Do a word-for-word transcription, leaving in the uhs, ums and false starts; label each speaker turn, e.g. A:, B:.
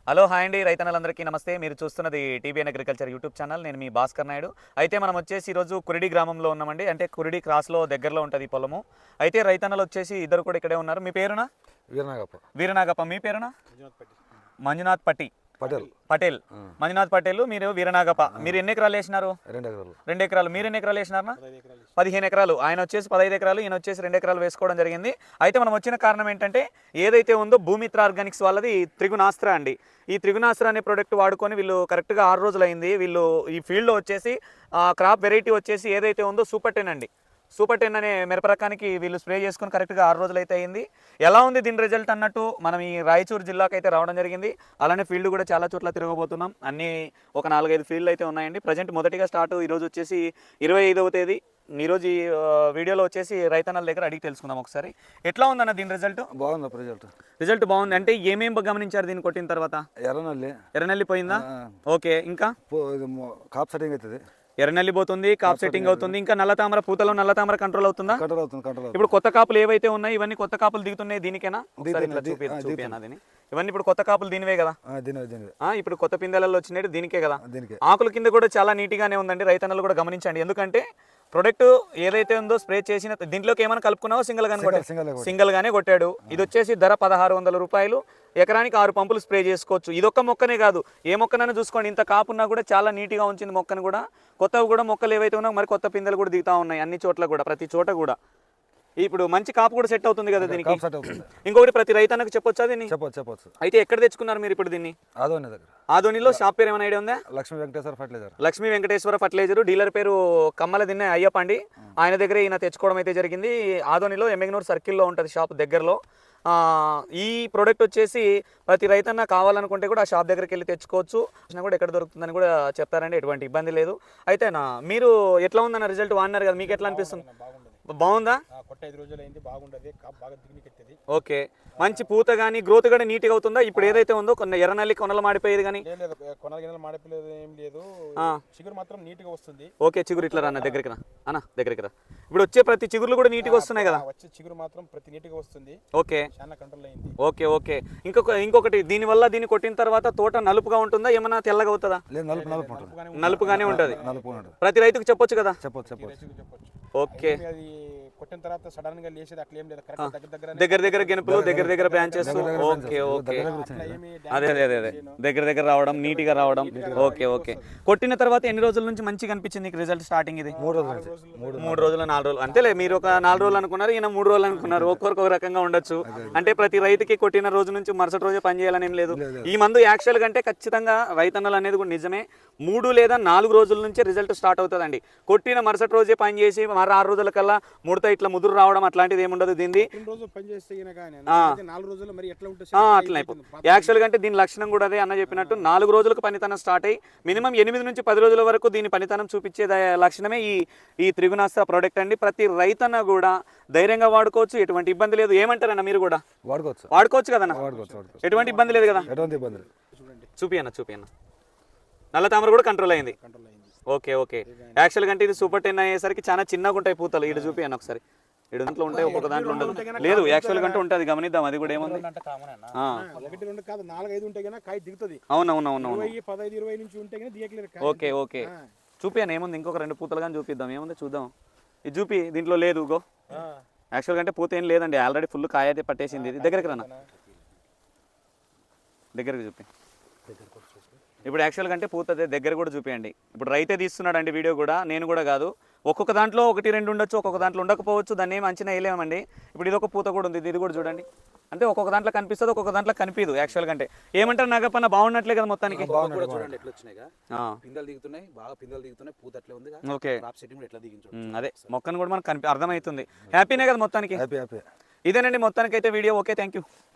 A: Hello hi అండి రైతన్నలందరికీ నమస్తే. మీరు చూస్తున్నది టీబీఎన్ అగ్రికల్చర్ యూట్యూబ్ ఛానల్. నేను మీ భాస్కర్ నాయుడు. అయితే మనం వచ్చేసి ఈరోజు కురిడి గ్రామంలో ఉన్నామండి. అంటే కురిడి క్రాస్లో దగ్గరలో ఉంటుంది ఈ పొలము. అయితే రైతన్నలు వచ్చేసి ఇద్దరు కూడా ఇక్కడే ఉన్నారు. మీ పేరునా?
B: వీరనాగప్ప.
A: వీరనాగప్ప. మీ పేరునా? మంజునాథ్ పట్టి
B: పటేల్.
A: పటేల్ మంజునాథ్ పటేల్. మీరు వీరనాగప్ప. మీరు ఎన్ని ఎకరాలు వేసినారు?
B: రెండు ఎకరాలు.
A: రెండు ఎకరాలు. మీరు ఎన్ని ఎకరాలు వేసినారనా? పదిహేను ఎకరాలు. ఆయన వచ్చేసి పదహైదు ఎకరాలు, ఈయన వచ్చేసి రెండు ఎకరాలు వేసుకోవడం జరిగింది. అయితే మనం వచ్చిన కారణం ఏంటంటే ఏదైతే ఉందో భూమిత్ర ఆర్గానిక్స్ వాళ్ళది త్రిగుణాస్త్ర అండి. ఈ త్రిగుణాస్త్ర అనే ప్రోడక్ట్ వాడుకొని వీళ్ళు కరెక్ట్గా ఆరు రోజులు అయింది. వీళ్ళు ఈ ఫీల్డ్లో వచ్చేసి క్రాప్ వెరైటీ వచ్చేసి ఏదైతే ఉందో సూపర్ టెన్ అండి. సూపర్ టెన్ అనే మిరప రకానికి వీళ్ళు స్ప్రే చేసుకుని కరెక్ట్గా ఆరు రోజులు అయితే అయింది. ఎలా ఉంది దీని రిజల్ట్ అన్నట్టు మనం ఈ రాయచూరు జిల్లాకు అయితే రావడం జరిగింది. అలానే ఫీల్డ్ కూడా చాలా చోట్ల తిరగబోతున్నాం. అన్ని ఒక నాలుగైదు ఫీల్డ్లు అయితే ఉన్నాయండి. ప్రజెంట్ మొదటిగా స్టార్ట్ ఈరోజు వచ్చేసి ఇరవై ఐదవ తేదీ. ఈరోజు ఈ వీడియోలో వచ్చేసి రైతన్నల దగ్గర అడిగి తెలుసుకుందాం ఒకసారి. ఎట్లా ఉందన్న దీని రిజల్ట్?
B: బాగుంది రిజల్ట్.
A: రిజల్ట్ బాగుంది. అంటే ఏమేమి గమనించారు దీన్ని కొట్టిన తర్వాత?
B: ఎర్రనల్లి.
A: ఎర్రనల్లి పోయిందా? ఓకే. ఇంకా
B: కాప్ సెట్టింగ్ అవుతుంది.
A: ఎర్రనల్లి పోతుంది, కాప్ సెట్టింగ్ అవుతుంది. ఇంకా నల్ల తామర, పూతలో నల్ల తామర కంట్రోల్ అవుతుందా?
B: కంట్రోల్ అవుతుంది. కంట్రోల్.
A: ఇప్పుడు కొత్త కాపులు ఏవైతే ఉన్నాయి ఇవన్నీ కొత్త కాపులు దిగుతున్నాయి దీనికేనా? ఇవన్నీ ఇప్పుడు కొత్త కాపులు దీనివే కదా? ఇప్పుడు కొత్త పిందెలలో వచ్చినట్టు దీనికే కదా? ఆకుల కింద కూడా చాలా నీట్గానే ఉందండి. రైతన్నలు కూడా గమనించండి. ఎందుకంటే ప్రొడక్ట్ ఏదైతే ఉందో స్ప్రే చేసిన దీంట్లోకి ఏమైనా కలుపుకున్నావో సింగిల్ గానే కొట్టాడు. సింగిల్ గానే కొట్టాడు. ఇది వచ్చేసి ధర పదహారు వందల రూపాయలు. ఎకరానికి ఆరు పంపులు స్ప్రే చేసుకోవచ్చు. ఇదొక్క మొక్కనే కాదు, ఏ మొక్కనైనా చూసుకోండి. ఇంత కాపున్నా కూడా చాలా నీట్గా ఉంచింది మొక్కను కూడా. కొత్తవి కూడా మొక్కలు ఏవైతే ఉన్నాయో మరి కొత్త పిందెలు కూడా దిగుతా ఉన్నాయి అన్ని చోట్ల కూడా, ప్రతి చోట కూడా. ఇప్పుడు మంచి కాపు కూడా సెట్ అవుతుంది కదా దీనికి. ఇంకొకటి ప్రతి రైతన్నకు చెప్పొచ్చా దీన్ని?
B: చెప్పొచ్చు చెప్పొచ్చు.
A: అయితే ఎక్కడ తెచ్చుకున్నారు మీరు ఇప్పుడు దీన్ని?
B: ఆదోని దగ్గర.
A: ఆదోనిలో షాప్ పేరు ఏమైనా ఐడియా ఉందా?
B: Lakshmi Venkateswara fertiliser.
A: Lakshmi Venkateswara fertiliser. Dealer పేరు కమ్మల దిన్నే అయ్యప్ప అండి. ఆయన దగ్గర ఈయన తెచ్చుకోవడం అయితే జరిగింది. ఆదోనిలో ఎమ్మెగ్నూర్ సర్కిల్లో ఉంటుంది షాప్ దగ్గరలో. ఈ ప్రోడక్ట్ వచ్చేసి ప్రతి రైతన్న కావాలనుకుంటే కూడా ఆ షాప్ దగ్గరికి వెళ్ళి తెచ్చుకోవచ్చు. కూడా ఎక్కడ దొరుకుతుందని కూడా చెప్తారండి. ఎటువంటి ఇబ్బంది లేదు. అయితేనా మీరు ఎట్లా ఉందన్న రిజల్ట్ వాడినారు కదా, మీకు ఎట్లా అనిపిస్తుంది? బాగుందా? ఓకే. మంచి పూత కానీ గ్రోత్ కూడా నీట్గా అవుతుందా? ఇప్పుడు ఏదైతే ఉందో కొన్ని ఎర్రనల్లి కొనలు మాడిపోయేది కానీ
C: చిగురు మాత్రం నీట్గా వస్తుంది.
A: ఓకే. చిగురు ఇట్లా అన్న దగ్గరికి రా అన్న దగ్గరికి రా. ఇప్పుడు వచ్చే ప్రతి చిగురులు కూడా నీట్గా వస్తున్నాయి కదా?
C: వచ్చే చిగురు మాత్రం ప్రతి నీట్గా వస్తుంది.
A: ఓకే.
C: చాలా కంట్రోల్ అయింది.
A: Okay okay. ఇంకొక ఇంకొకటి దీని వల్ల దీన్ని కొట్టిన తర్వాత తోట నలుపుగా ఉంటుందా, ఏమన్నా తెల్లగా అవుతుందా? నలుపుగానే ఉంటుంది. ప్రతి రైతుకు చెప్పొచ్చు కదా?
B: చెప్పొచ్చు చెప్పొచ్చు.
A: ఓకే.
C: కొట్టిన తర్వాత సడన్ గా లేసేది అట్లా ఏం లేదు. దగ్గర
A: దగ్గర దగ్గర గెనుపులు, దగ్గర దగ్గర బ్రాంచెస్. Okay okay. అదే అదే అదే దగ్గర దగ్గర రావడం, నీట్ గా రావడం. Okay okay. కొట్టిన తర్వాత ఎన్ని రోజుల నుంచి మంచిగా అనిపించింది నీకు రిజల్ట్ స్టార్టింగ్? ఇది
B: మూడు రోజులు.
A: మూడు రోజులు నాలుగు రోజులు అంతేలే. మీరు ఒక నాలుగు రోజులు అనుకున్నారు, ఈయన మూడు రోజులు అనుకున్నారు. ఒక్కొరికి ఒక రకంగా ఉండొచ్చు. అంటే ప్రతి రైతుకి కొట్టిన రోజు నుంచి మరుసటి రోజే పని చేయాలని ఏం లేదు. ఈ మందు యాక్చువల్ కంటే ఖచ్చితంగా రైతన్నలు అనేది కూడా నిజమే. మూడు లేదా నాలుగు రోజుల నుంచే రిజల్ట్ స్టార్ట్ అవుతుందండి. కొట్టిన మరుసటి రోజే పని చేసి మరి ఆరు రోజుల కల్లా ముడత ఇట్లా ముదురు రావడం అట్లాంటిది ఏముండదు. దీన్ని అట్లా యాక్చువల్ గా అంటే దీని లక్షణం కూడా అదే అన్న చెప్పినట్టు. నాలుగు రోజులకు పనితనం స్టార్ట్ అయ్యి మినిమం ఎనిమిది నుంచి పది రోజుల వరకు దీని పనితనం చూపించే లక్షణమే ఈ ఈ త్రిగుణాస్త్ర ప్రోడక్ట్ అండి. ప్రతి రైతన్న కూడా ధైర్యంగా వాడుకోవచ్చు. ఎటువంటి ఇబ్బంది లేదు. ఏమంటారన్న మీరు కూడా
B: వాడుకోవచ్చు
A: వాడుకోవచ్చు కదన్నా? ఎటువంటి ఇబ్బంది లేదు కదా? చూపి అన్న చూపి అన్న. నల్ల తామర కూడా కంట్రోల్ అయింది. Okay okay. యాక్చువల్ అంటే ఇది సూపర్ టెన్ అయ్యేసరికి చాలా చిన్నగా ఉంటాయి పూతలు. ఇటు చూపి అన్న ఒకసారి. ఇటు దాంట్లో ఉంటాయి, ఒక్కొక్క దాంట్లో ఉండదు. లేదు యాక్చువల్ గా ఉంటుంది, గమనిద్దాం. అది కూడా ఏముంది. అవునవునవును. Okay okay. చూపి అన్న ఏముంది. ఇంకొక రెండు పూతలు కానీ చూపిద్దాం. ఏముంది చూద్దాం. ఇది చూపి. దీంట్లో లేదు గో. యాక్చువల్గా అంటే పూత ఏం లేదండి, ఆల్రెడీ ఫుల్ కాయ అయితే పట్టేసింది. ఇది దగ్గరికి రానా, దగ్గరికి చూపి. ఇప్పుడు యాక్చువల్గా అంటే పూత దగ్గర కూడా చూపించండి. ఇప్పుడు రైతే తీస్తున్నాడు అండి వీడియో కూడా, నేను కూడా కాదు. ఒక్కొక్క దాంట్లో ఒకటి రెండు ఉండొచ్చు, ఒక్కొక్క దాంట్లో ఉండకపోవచ్చు. దాన్ని ఏమి అంచనా వేయలేమండి. ఇప్పుడు ఇది ఒక పూత కూడా ఉంది, ఇది కూడా చూడండి. అంటే ఒక్కొక్క దాంట్లో కనిపిస్తుంది, ఒక్కొక్క దాంట్లో కనిపించదు. యాక్చువల్గా అంటే ఏమంటారు నాగప్పన్న, బాగున్నట్లే కదా మొత్తానికి? ఓకే. అదే మొక్కను కూడా మనకు కనిపి అర్థమవుతుంది. హ్యాపీనే కదా మొత్తానికి? ఇదేనండి మొత్తానికి అయితే వీడియో. Okay, thank you.